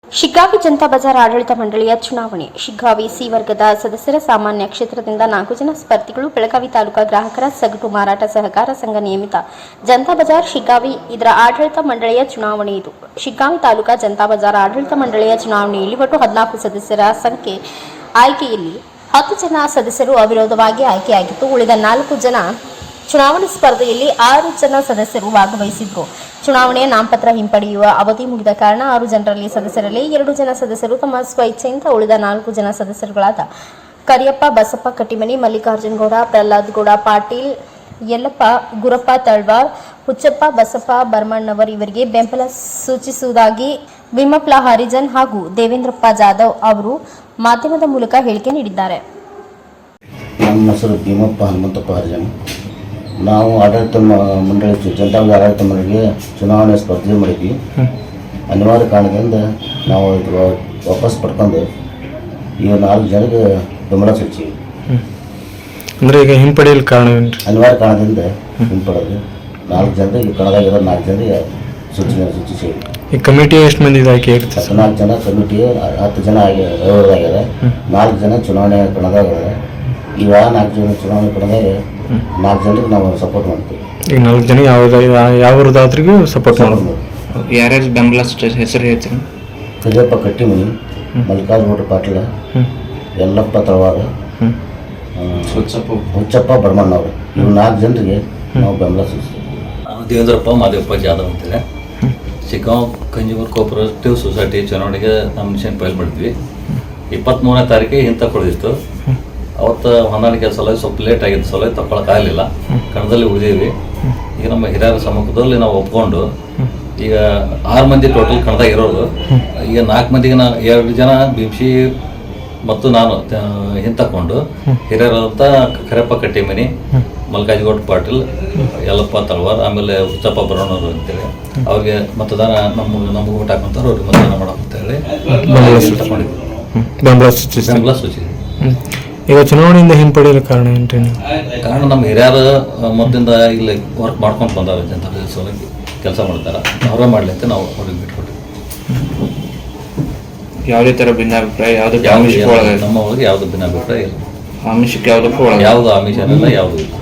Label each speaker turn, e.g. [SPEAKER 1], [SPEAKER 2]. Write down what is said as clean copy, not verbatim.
[SPEAKER 1] ಶಿಗ್ಗಾವಿ ಜನತಾ ಬಜಾರ್ ಆಡಳಿತ ಮಂಡಳಿಯ ಚುನಾವಣೆ. ಶಿಗ್ಗಾವಿ ಸಿ ವರ್ಗದ ಸದಸ್ಯರ ಸಾಮಾನ್ಯ ಕ್ಷೇತ್ರದಿಂದ 4 ಜನ ಸ್ಪರ್ಧಿಗಳು. ಬೆಳಗಾವಿ ತಾಲೂಕಾ ಗ್ರಾಹಕರ ಸಗಟು ಮಾರಾಟ ಸಹಕಾರ ಸಂಘ ನಿಯಮಿತ ಜನತಾ ಬಜಾರ್ ಶಿಗ್ಗಾವಿ ಇದರ ಆಡಳಿತ ಮಂಡಳಿಯ ಚುನಾವಣೆ ಇದು. ಶಿಗ್ಗಾವಿ ತಾಲೂಕಾ ಜನತಾ ಬಜಾರ್ ಆಡಳಿತ ಮಂಡಳಿಯ ಚುನಾವಣೆಯಲ್ಲಿ ಒಟ್ಟು 14 ಸದಸ್ಯರ ಸಂಖ್ಯೆ ಆಯ್ಕೆಯಲ್ಲಿ 10 ಜನ ಸದಸ್ಯರು ಅವಿರೋಧವಾಗಿ ಆಯ್ಕೆಯಾಗಿತ್ತು. ಉಳಿದ 4 ಜನ ಚುನಾವಣಾ ಸ್ಪರ್ಧೆಯಲ್ಲಿ 6 ಜನ ಸದಸ್ಯರು ಭಾಗವಹಿಸಿದ್ರು. ಚುನಾವಣೆಯ ನಾಮಪತ್ರ ಹಿಂಪಡೆಯುವ ಅವಧಿ ಮುಗಿದ ಕಾರಣ 6 ಜನರಲ್ಲಿ ಸದಸ್ಯರಲ್ಲಿ 2 ಜನ ಸದಸ್ಯರು ತಮ್ಮ ಸ್ವಇಚ್ಛೆಯಿಂದ ಉಳಿದ 4 ಜನ ಸದಸ್ಯರುಗಳಾದ ಕರಿಯಪ್ಪ, ಬಸಪ್ಪ ಕಟ್ಟಿಮನಿ, ಮಲ್ಲಿಕಾರ್ಜುನ ಗೌಡ, ಪ್ರಹ್ಲಾದ್ ಗೌಡ ಪಾಟೀಲ್, ಯಲ್ಲಪ್ಪ, ಗುರಪ್ಪ ತಳ್ವಾರ್, ಹುಚ್ಚಪ್ಪ, ಬಸಪ್ಪ ಬರ್ಮಣ್ಣವರ್ ಇವರಿಗೆ ಬೆಂಬಲ ಸೂಚಿಸುವುದಾಗಿ ವಿಮಪ್ಲ ಹರಿಜನ್ ಹಾಗೂ ದೇವೇಂದ್ರಪ್ಪ ಜಾಧವ್ ಅವರು ಮಾಧ್ಯಮದ ಮೂಲಕ ಹೇಳಿಕೆ ನೀಡಿದ್ದಾರೆ.
[SPEAKER 2] ನಮ್ಮ ಹೆಸರು ಭೀಮಪ್ಪ ಹನುಮಂತಪ್ಪ ಹರಿಜನ್. ನಾವು ಆಡಳಿತ ಮಂಡಳಿ ಜನತಾ ಆಡಳಿತ ಮಂಡಳಿಗೆ ಚುನಾವಣೆ ಸ್ಪರ್ಧೆ ಮಾಡಿದ್ವಿ. ಅನಿವಾರ್ಯ ಕಾರಣದಿಂದ ನಾವು ವಾಪಸ್ ಪಡ್ಕೊಂಡು ಈಗ 4 ಜನಕ್ಕೆ ಬೆಂಬಲ ಸೂಚಿವಿ.
[SPEAKER 3] ಅಂದರೆ ಈಗ ಹಿಂಪಡೆಯಲು ಕಾರಣವೇನು?
[SPEAKER 2] ಅನಿವಾರ್ಯ ಕಾರಣದಿಂದ ಹಿಂಪಡೆದು 4 ಜನರಿಗೆ ಕಣದಾಗಿರೋ 4 ಜನರಿಗೆ ಸೂಚಿಸಿ.
[SPEAKER 3] ಈ ಕಮಿಟಿ ಎಷ್ಟು ಮಂದಿ ಆಯ್ಕೆ ಇರುತ್ತೆ?
[SPEAKER 2] 14 ಜನ ಕಮಿಟಿ, 10 ಜನ ಆಗ್ಯಾರ, 4 ಜನ ಚುನಾವಣೆ ಕಣದಾಗ್ಯಾರ. ಈಗ 4 ಜನ ಚುನಾವಣೆ ಕಣದಾಗ 4 ಜನರಿಗೆ ನಾವು ಸಪೋರ್ಟ್ ಮಾಡ್ತೀವಿ.
[SPEAKER 3] ಈಗ 4 ಜನ ಯಾವ್ದಾದ್ರಿಗೂ ಸಪೋರ್ಟ್ ಮಾಡ್ಬೋದು.
[SPEAKER 4] ಯಾರ್ಯಾರು ಬೆಂಬಲ ಹೆಸರು ಹೇಳ್ತೀರಿ?
[SPEAKER 2] ಕರಿಯಪ್ಪ ಕಟ್ಟಿಮನಿ, ಮಲ್ಲಿಕಾರ್ಜುನ ಪಾಟೀಲ, ಯಲ್ಲಪ್ಪ ತಳವಾರ, ಹುಚ್ಚಪ್ಪ ಬರ್ಮಣ್ಣವ್ರು, ಇವ್ರು 4 ಜನರಿಗೆ ನಾವು ಬೆಂಬಲ ಸೂಚಿಸ್ತೀವಿ.
[SPEAKER 5] ದೇವೇಂದ್ರಪ್ಪ ಮಾದೇವಪ್ಪ ಜಾಧವ್ ಅಂತೇಳಿ ಶಿಗ್ಗಾಂವ್ ಕನ್ಸ್ಯೂಮರ್ ಕೋಆಪರೇಟಿವ್ ಸೊಸೈಟಿ ಚುನಾವಣೆಗೆ ನಾಮಿನೇಷನ್ ಫೈಲ್ ಮಾಡಿದ್ವಿ. 23ನೇ ತಾರೀಕಿಗೆ ಹಿಂದೆ ಕೊಡಿದಿತ್ತು. ಅವತ್ತು ಹೊಂದಾಣಿಕೆ ಸಲುವಾಗಿ ಸ್ವಲ್ಪ ಲೇಟ್ ಆಗಿದ್ದ ಸಲುವಾಗಿ ತಗೊಳಕ್ಕಾಗಲಿಲ್ಲ. ಕಣದಲ್ಲಿ ಉಳಿದೀವಿ. ಈಗ ನಮ್ಮ ಹಿರಿಯರ ಸಮ್ಮುಖದಲ್ಲಿ ನಾವು ಒಪ್ಕೊಂಡು ಈಗ 6 ಮಂದಿ ಟೋಟಲ್ ಕಣದಾಗ ಇರೋದು. ಈಗ 4 ಮಂದಿಗೆ 2 ಜನ ಭೀಮ್ಸಿ ಮತ್ತು ನಾನು ಹಿಂತಕೊಂಡು ಹಿರಿಯರಾದಂಥ ಕರಿಯಪ್ಪ ಕಟ್ಟಿಮನಿ, ಮಲ್ಲಿಕಾರ್ಜುನ ಪಾಟೀಲ್, ಯಲ್ಲಪ್ಪ ತಳವಾರ್, ಆಮೇಲೆ ಹುಚ್ಚಪ್ಪ ಬರೋಣವರು ಅಂತೇಳಿ ಅವ್ರಿಗೆ ಮತದಾನ ನಮಗೆ ಊಟ ಹಾಕಂತಾರೆ, ಅವ್ರಿಗೆ ಮತದಾನ ಮಾಡಕ್ಕಂತೇಳಿ
[SPEAKER 3] ಬೆಂಬಲ ಸೂಚಿಸಿ. ಈಗ ಚುನಾವಣೆಯಿಂದ ಹಿಂಪಡೆಯಲು ಕಾರಣ ಏನ್ರಿ?
[SPEAKER 5] ಕಾರಣ ನಮ್ಮ ಹಿರಿಯರು ಮೊದಲಿಂದ ಇಲ್ಲಿ ವರ್ಕ್ ಮಾಡ್ಕೊಂಡು ಬಂದಾರೆ, ಜನತಾ ಸಲುವಾಗಿ ಕೆಲಸ ಮಾಡ್ತಾರೆ. ಅವರೇ ಮಾಡಲಿ ಅಂತ ನಾವು ಅವ್ರಿಗೆ ಬಿಟ್ಕೊಟ್ಟಿವಿ.
[SPEAKER 4] ಯಾವುದೇ ಥರ ಭಿನ್ನಾಭಿಪ್ರಾಯ
[SPEAKER 5] ನಮ್ಮ ಒಳಗೆ ಯಾವುದು ಭಿನ್ನಾಭಿಪ್ರಾಯ ಇಲ್ಲ.
[SPEAKER 4] ಆಮಿಷಕ್ಕೆ ಯಾವುದಕ್ಕೂ
[SPEAKER 5] ಯಾವುದು ಆಮಿಷ ಇಲ್ಲ, ಯಾವುದು ಇಲ್ಲ.